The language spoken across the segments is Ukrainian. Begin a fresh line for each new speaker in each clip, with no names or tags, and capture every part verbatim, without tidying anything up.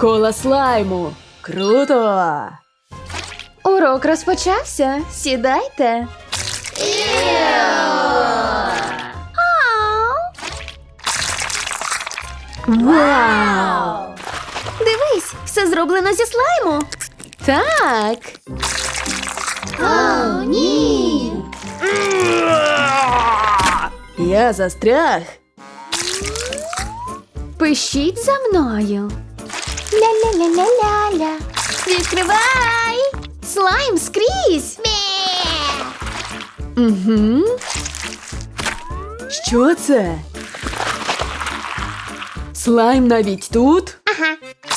Школа слайму. Круто!
Урок розпочався. Сідайте.
Вау!
Дивись, все зроблено зі слайму. Так. О, ні.
Я застряг.
Пишіть за мною. Ля-ля-ля-ля-ля-ля. Відкривай! Слайм скрізь!
Угу. Що це? Слайм навіть тут?
Ага.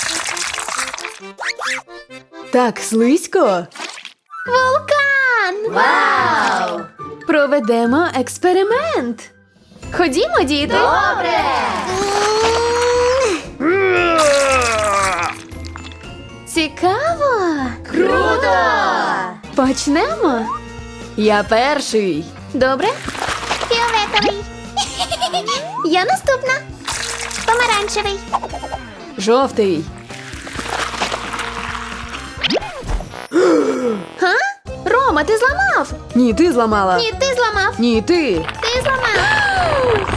Так слизько.
Вулкан! Вау! Проведемо експеримент. Ходімо, діти. Добре! Цікаво!
Круто!
Почнемо?
Я перший.
Добре? Фіолетовий. Я наступна. Помаранчевий.
Жовтий.
Га? Рома, ти зламав?
Ні, ти зламала.
Ні, ти зламав.
Ні, ти.
Ти зламав.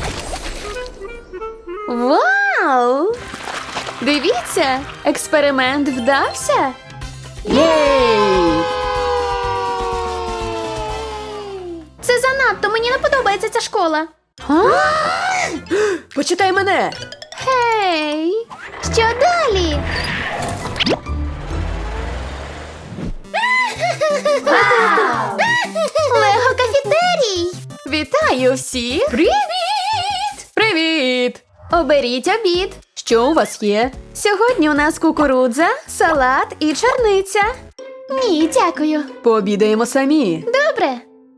Вау! Дивіться, експеримент вдався.
Єй!
Це занадто, мені не подобається ця школа.
Почитай мене.
Гей! Що далі? Лего кафетерій! Вітаю всіх!
Привіт! Привіт!
Оберіть обід.
Що у вас є?
Сьогодні у нас кукурудза, салат і чорниця. Ні, дякую.
Пообідаємо самі.
Добре.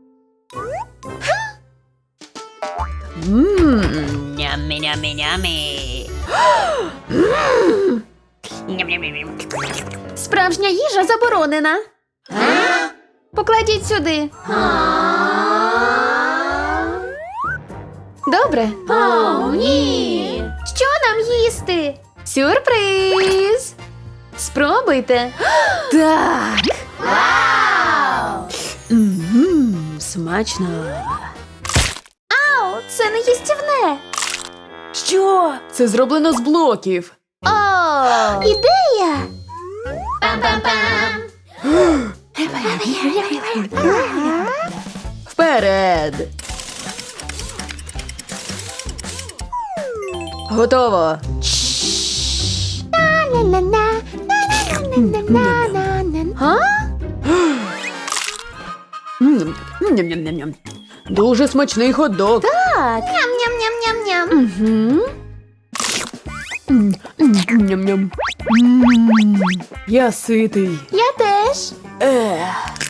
Ммм.
Yummy, yummy, yummy. Yum, yum, yum, yum.
Справжня їжа заборонена. Покладіть сюди. Добре. О, ні. Що нам їсти? Сюрприз. Спробуйте.
Так. Ммм, смачно.
Ау, це не їстівне.
Що? Це зроблено з блоків.
О, ідея. Пам-пам-пам.
Вперед! Готово.
Га?
М, ням-ням-ням-ням. Дуже смачний хот-дог.
Так. Ням-ням-ням-ням-ням.
Угу. М, м, Ням-ням. М, Я ситий.
Я теж.
Ех.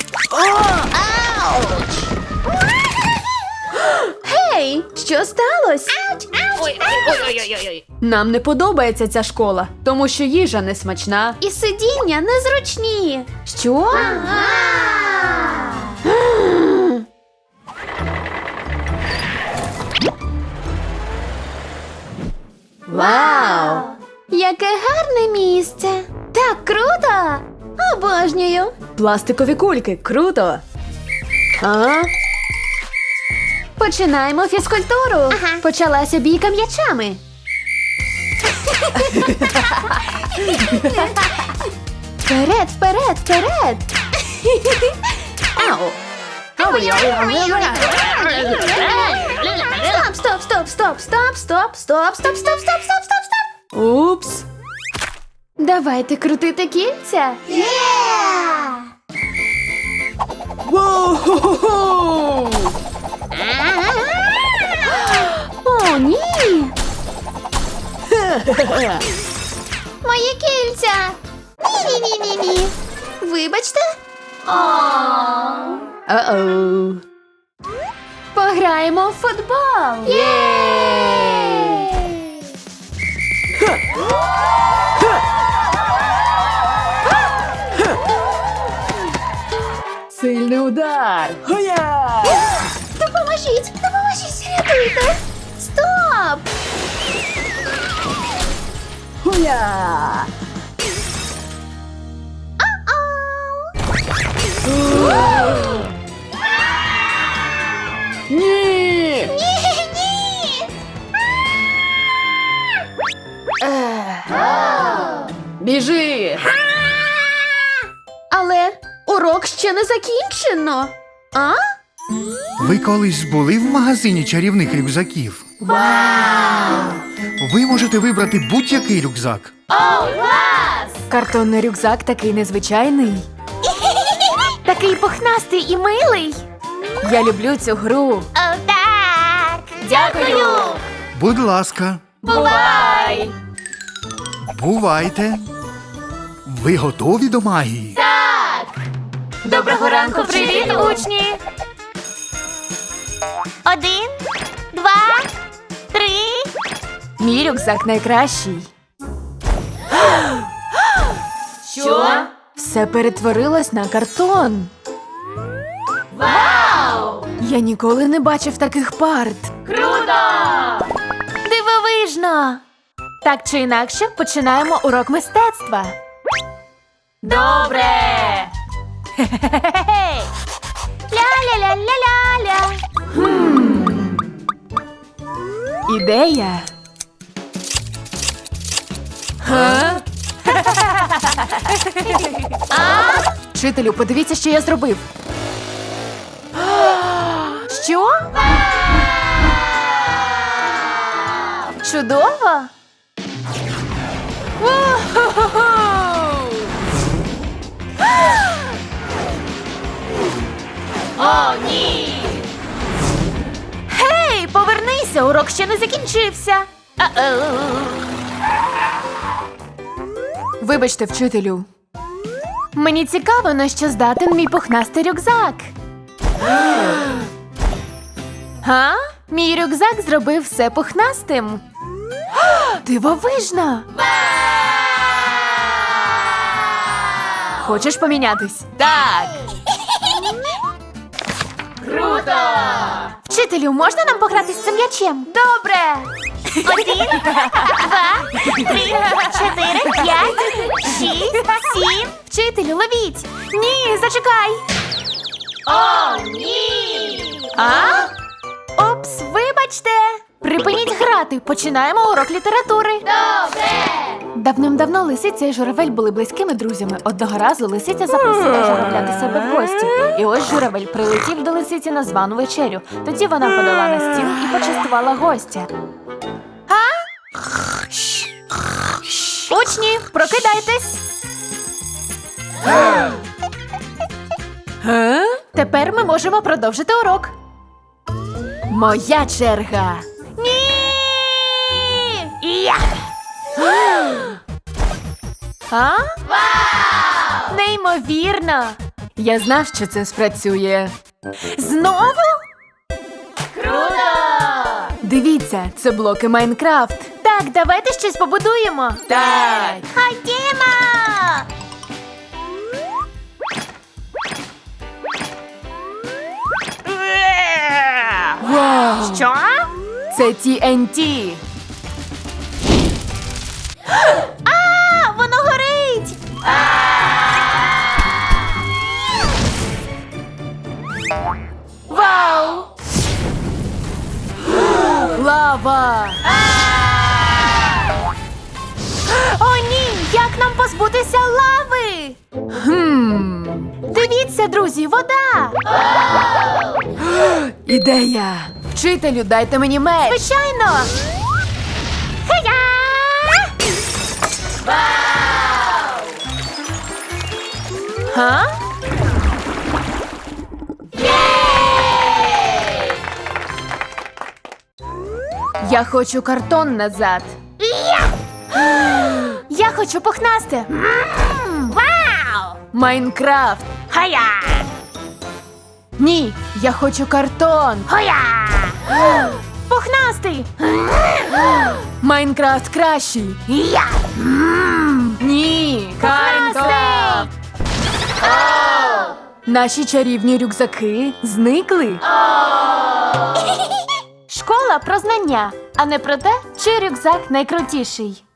Гей, що сталося?
Ой, ой, ой, ой, ой, ой.
Нам не подобається ця школа, тому що їжа не смачна.
І сидіння незручні.
Що? Вау!
Яке гарне місце. Так круто. Обожнюю.
Пластикові кульки. Круто. А?
Починаємо фізкультуру. Почалася бійка м'ячами. Вперед, вперед, вперед.
Ау.
Стоп, стоп, стоп, стоп, стоп, стоп, стоп, стоп, стоп, стоп, стоп, стоп, стоп.
Упс.
Давайте крутити кільця.
Воу-хо-хо-хо!
О, ні. Мої кільця. Ні-ні-ні-ні-ні. Вибачте.
Uh-oh.
Пограємо в футбол.
Сильний удар. Хоя!
Допоможіть, допоможіть, рятуйте. Стоп.
Буя! Ні! Біжи!
Але урок ще не закінчено. А?
Ви колись були в магазині чарівних рюкзаків? Вау! Ви можете вибрати будь-який рюкзак.
Картонний рюкзак такий незвичайний.
Такий пухнастий і милий.
Я люблю цю гру.
О, так! Дякую!
Будь ласка,
Бувай!
бувайте. Ви готові до магії?
Доброго ранку, привіт, учні! Один, два, три.
Мій рюкзак найкращий.
Що?
Все перетворилось на картон.
Вау!
Я ніколи не бачив таких парт.
Круто! Дивовижно!
Так чи інакше, починаємо урок мистецтва.
Добре! Ля-ля-ля-ля-ля-ля.
Ідея. Га? Вчителю, подивіться, що я зробив. Що?
Чудово! О, ні! Гей, повернися, урок ще не закінчився. А-оу.
Вибачте, вчителю.
Мені цікаво, на що здатен мій пухнастий рюкзак. Га? Мій рюкзак зробив все пухнастим. Дивовижно!
Хочеш помінятись?
Так! Круто! Вчителю, можна нам пограти з цим м'ячем? Добре! Один, два, три, чотири, п'ять, шість, сім. Вчителю, ловіть! Ні, зачекай! О, ні! А? Опс, вибачте! Припиніть грати, починаємо урок літератури. Добре! Давним-давно лисиця і журавель були близькими друзями. Одного разу лисиця запросила журавля до себе в гості. І ось журавель прилетів до лисиці на звану вечерю. Тоді вона подала на стіл і почастувала гостя. А? Учні, прокидайтесь!
Га?
Тепер ми можемо продовжити урок.
Моя черга.
Ні! Я! А? Вау! Неймовірно!
Я знав, що це спрацює.
Знову? Круто!
Дивіться, це блоки Майнкрафт.
Так, давайте щось побудуємо.
Так.
Ходімо!
Вау!
Що?
Це Ті Ен Ті.
А, воно горить! Вау!
Лава!
О, ні! Як нам позбутися лави?
Хм.
Дивіться, друзі, вода!
Ідея! Вчителю, дайте мені меч!
Звичайно! Хея! Га?
Я хочу картон назад.
Я хочу пухнасти! М, Вау!
Майнкрафт!
Хая!
Ні, я хочу картон!
Хоя! Пухнастий!
Майнкрафт кращий!
Я!
Ні! Майнкрафт! Наші чарівні рюкзаки зникли.
Школа про знання, а не про те, чий рюкзак найкрутіший.